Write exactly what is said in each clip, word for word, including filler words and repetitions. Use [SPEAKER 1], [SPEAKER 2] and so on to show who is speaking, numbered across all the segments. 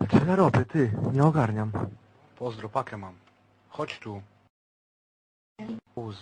[SPEAKER 1] Co ja robię, ty? Nie ogarniam.
[SPEAKER 2] Pozdro, pakę mam. Chodź tu. Uz.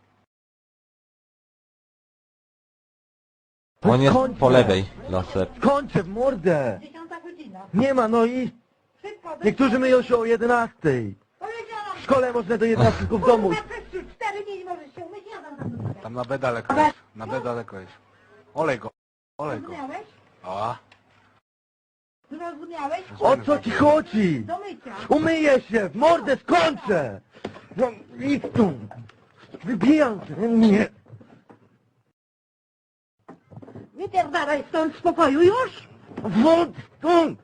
[SPEAKER 3] On jest
[SPEAKER 1] Skończę.
[SPEAKER 3] po lewej, laser.
[SPEAKER 1] Kończę w mordę!
[SPEAKER 4] Dziesiąta godzina.
[SPEAKER 1] Nie ma, no i...
[SPEAKER 4] Szybko,
[SPEAKER 1] Niektórzy myją się o jedenastej.
[SPEAKER 4] Powiedziałam.
[SPEAKER 1] W szkole można do jedenastej tylko w domu.
[SPEAKER 4] Kurwa, przez cztery dni nie możesz się umyć, ja dam tam do
[SPEAKER 2] Tam na B daleko jest. Na B daleko jest. Olej go. Olej go.
[SPEAKER 4] Zrozumiałeś?
[SPEAKER 2] A.
[SPEAKER 4] Zrozumiałeś?
[SPEAKER 1] O co ci chodzi?
[SPEAKER 4] Do mycia.
[SPEAKER 1] Umyję się, w mordę skończę! No idź tu! Wybijam się, nie!
[SPEAKER 4] Wypierdalaj stąd z pokoju już?
[SPEAKER 1] Wąt stąd!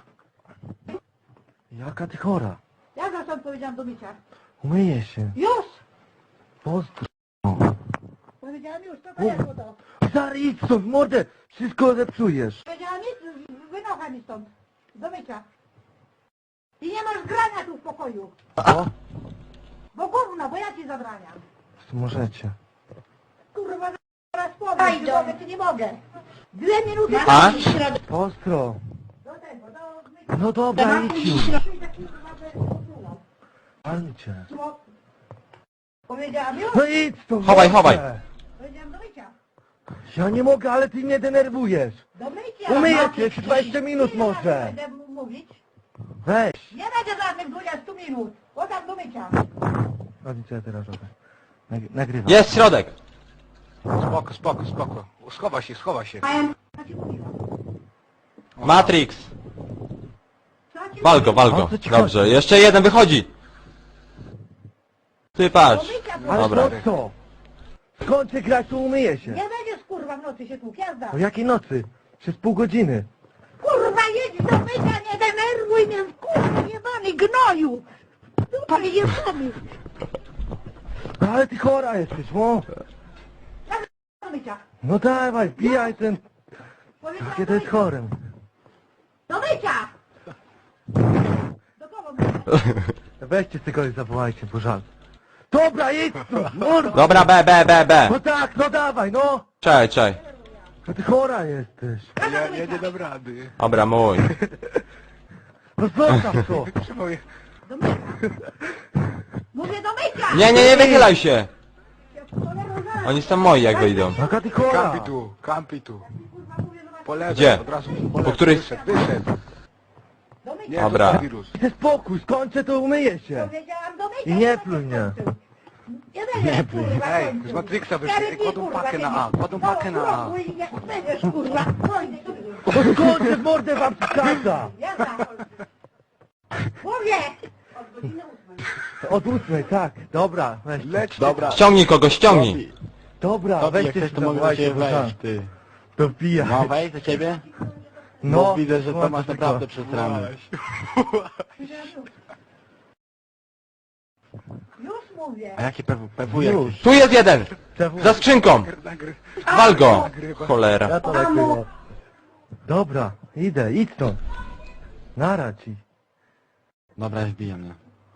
[SPEAKER 1] Jaka ty chora?
[SPEAKER 4] Ja za stąd powiedziałam do mycia.
[SPEAKER 1] Umyję się.
[SPEAKER 4] Już!
[SPEAKER 1] Pozdro.
[SPEAKER 4] Powiedziałam już, to pojadę to.
[SPEAKER 1] Stary, idź stąd, w mordę! Wszystko zepsujesz.
[SPEAKER 4] Powiedziałam nic, wynocha mi stąd. Do mycia. I nie masz grania tu w pokoju.
[SPEAKER 1] O,
[SPEAKER 4] Bo gówno, bo ja ci zabraniam.
[SPEAKER 1] możecie.
[SPEAKER 4] Kurwa, zaraz powiem, czy mogę, czy nie mogę. Dwie minuty
[SPEAKER 3] A?
[SPEAKER 1] Pozdro.
[SPEAKER 4] do tego, do mycia.
[SPEAKER 1] No dobra, idź już. Palcie.
[SPEAKER 4] Powiedziałam już?
[SPEAKER 1] No idź stąd.
[SPEAKER 3] Chowaj,
[SPEAKER 1] mordę.
[SPEAKER 3] chowaj.
[SPEAKER 4] Powiedziałam do mycia.
[SPEAKER 1] Ja nie mogę, ale ty mnie denerwujesz.
[SPEAKER 4] Do mycia.
[SPEAKER 1] Umyję cię, jeszcze dwadzieścia minut
[SPEAKER 4] Ile razy
[SPEAKER 1] może.
[SPEAKER 4] Będę mówić.
[SPEAKER 1] Weź.
[SPEAKER 4] Nie będzie żadnych dwudziestu minut. Podam do mycia.
[SPEAKER 1] Chodź, co ja teraz robię. Nag- Nagrywam.
[SPEAKER 3] Jest środek!
[SPEAKER 2] Spoko, spoko, spoko. Schowa się, schowa się.
[SPEAKER 4] Co ci mówiłam?
[SPEAKER 3] Matrix!
[SPEAKER 4] Co ci
[SPEAKER 3] Wal go, wal
[SPEAKER 1] O
[SPEAKER 3] go.
[SPEAKER 1] co ci
[SPEAKER 3] Dobrze, jeszcze jeden wychodzi! Ty
[SPEAKER 4] Do
[SPEAKER 3] patrz.
[SPEAKER 4] mycia,
[SPEAKER 1] Ale
[SPEAKER 4] proszę.
[SPEAKER 3] Dobra.
[SPEAKER 1] po co? Skończę grać, to umyję się.
[SPEAKER 4] Nie będziesz kurwa w nocy się tłuk, jazda.
[SPEAKER 1] O jakiej nocy? Przez pół godziny.
[SPEAKER 4] Kurwa jedź do mycia, nie denerwuj mnie, kurwa jebany gnoju. Pan jebany.
[SPEAKER 1] Ale ty chora jesteś, o.
[SPEAKER 4] Do mycia.
[SPEAKER 1] No dawaj, wbijaj ten...
[SPEAKER 4] Powiedziałam
[SPEAKER 1] Jakie
[SPEAKER 4] do
[SPEAKER 1] to jest
[SPEAKER 4] mycia.
[SPEAKER 1] chore.
[SPEAKER 4] Do mycia. Do kogo mycia?
[SPEAKER 1] Weźcie z tego i zawołajcie, bo żal. Dobra, idź tu, mordo.
[SPEAKER 3] Dobra, B, B, B, B.
[SPEAKER 1] No tak, no dawaj, no.
[SPEAKER 3] Czekaj, czekaj.
[SPEAKER 1] No ty chora jesteś.
[SPEAKER 2] Ja, ja nie dam rady.
[SPEAKER 3] Dobra, mój.
[SPEAKER 1] No zostaw to.
[SPEAKER 2] Moje-
[SPEAKER 4] Do mycia. Mówię do mycia.
[SPEAKER 3] Nie, nie, nie wychylaj się!
[SPEAKER 4] Cholera, zaraz.
[SPEAKER 3] Oni są moi jak wyjdą.
[SPEAKER 1] Jaka ty chora.
[SPEAKER 2] Kampi tu, kampi tu.
[SPEAKER 4] Kurwa, mówię do was.
[SPEAKER 2] Po lewej,
[SPEAKER 3] Gdzie?
[SPEAKER 2] od razu po
[SPEAKER 3] Po
[SPEAKER 2] lewej.
[SPEAKER 3] której-
[SPEAKER 2] Wyszedł, wyszedł.
[SPEAKER 4] Do mycia.
[SPEAKER 2] Nie,
[SPEAKER 3] Dobra.
[SPEAKER 2] to wirus.
[SPEAKER 1] Daj spokój, skończę, to umyję się.
[SPEAKER 4] Powiedziałam do mycia.
[SPEAKER 1] I nie pluj mnie.
[SPEAKER 4] Nie będziesz kurwa
[SPEAKER 2] Ej,
[SPEAKER 4] kończył.
[SPEAKER 2] z Matrixa wyszli,
[SPEAKER 4] Cztery
[SPEAKER 2] ej,
[SPEAKER 4] dni,
[SPEAKER 2] kładą
[SPEAKER 4] kurwa,
[SPEAKER 2] pakę na A,
[SPEAKER 4] będziesz.
[SPEAKER 2] kładą pakę na A.
[SPEAKER 4] No, i jak będziesz kurwa. Kończył.
[SPEAKER 1] No skończę, w mordę wam przeszkadza.
[SPEAKER 4] Jazda. Mówię.
[SPEAKER 1] Od ósmej, tak. Dobra, weź.
[SPEAKER 2] Leć,
[SPEAKER 5] Dobra.
[SPEAKER 3] Ściągnij kogoś, ściągnij!
[SPEAKER 1] Dobra,
[SPEAKER 5] Tobie, jak
[SPEAKER 1] weźcie
[SPEAKER 5] chcesz,
[SPEAKER 1] się
[SPEAKER 5] to mogę do
[SPEAKER 1] zawołajcie,
[SPEAKER 5] ciebie
[SPEAKER 1] bo żal.
[SPEAKER 5] wejść, ty.
[SPEAKER 1] To wbijaj.
[SPEAKER 5] No wejść do ciebie?
[SPEAKER 1] No,
[SPEAKER 5] Bo widzę, że to
[SPEAKER 1] włączę
[SPEAKER 5] masz
[SPEAKER 1] tylko.
[SPEAKER 5] naprawdę przesrane.
[SPEAKER 4] Już mówię.
[SPEAKER 5] A jakie P W
[SPEAKER 1] Już.
[SPEAKER 5] jakieś?
[SPEAKER 3] Tu jest jeden!
[SPEAKER 1] Przewu-
[SPEAKER 3] Za skrzynką!
[SPEAKER 2] Nagry...
[SPEAKER 3] Wal go!
[SPEAKER 2] Nagrywa.
[SPEAKER 3] Cholera.
[SPEAKER 1] Ja to nagrywam. Dobra, idę, idź stąd. Nara ci.
[SPEAKER 5] Dobra, wbijam mnie.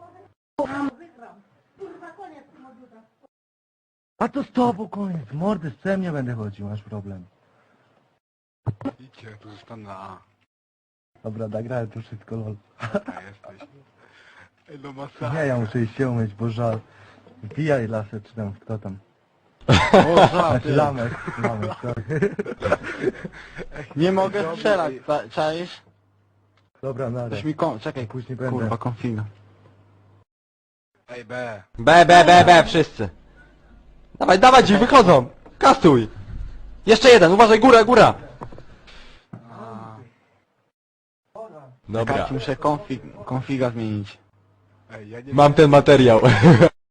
[SPEAKER 4] Kurwa, koniec tym odrzutem.
[SPEAKER 1] A to z tobą koniec. Mordy z psem nie będę chodził, masz problem.
[SPEAKER 2] Idźcie, tu zostanę na A.
[SPEAKER 1] Dobra, nagrałem tu wszystko, lol.
[SPEAKER 2] A jesteś. Ej, no masakra.
[SPEAKER 1] Nie, ja muszę iść się umyć, bo żal. Wbijaj lasę, czy tam, kto tam.
[SPEAKER 5] O, żal,
[SPEAKER 1] Znaczy
[SPEAKER 5] ty.
[SPEAKER 1] lamek, lamek, sorry.
[SPEAKER 5] Nie mogę strzelać, ca- czaisz?
[SPEAKER 1] Dobra, nara.
[SPEAKER 5] Coś mi kon... Czekaj,
[SPEAKER 1] Później będę.
[SPEAKER 5] kurwa, konfiga.
[SPEAKER 2] Ej, B.
[SPEAKER 3] B, B, B, B, wszyscy. Dawaj, dawaj ci, wychodzą! Kastuj! Jeszcze jeden, uważaj, góra, góra! Dobra.
[SPEAKER 5] Czekajcie, muszę konfig... konfiga zmienić.
[SPEAKER 2] Ej, ja nie
[SPEAKER 3] Mam ten materiał.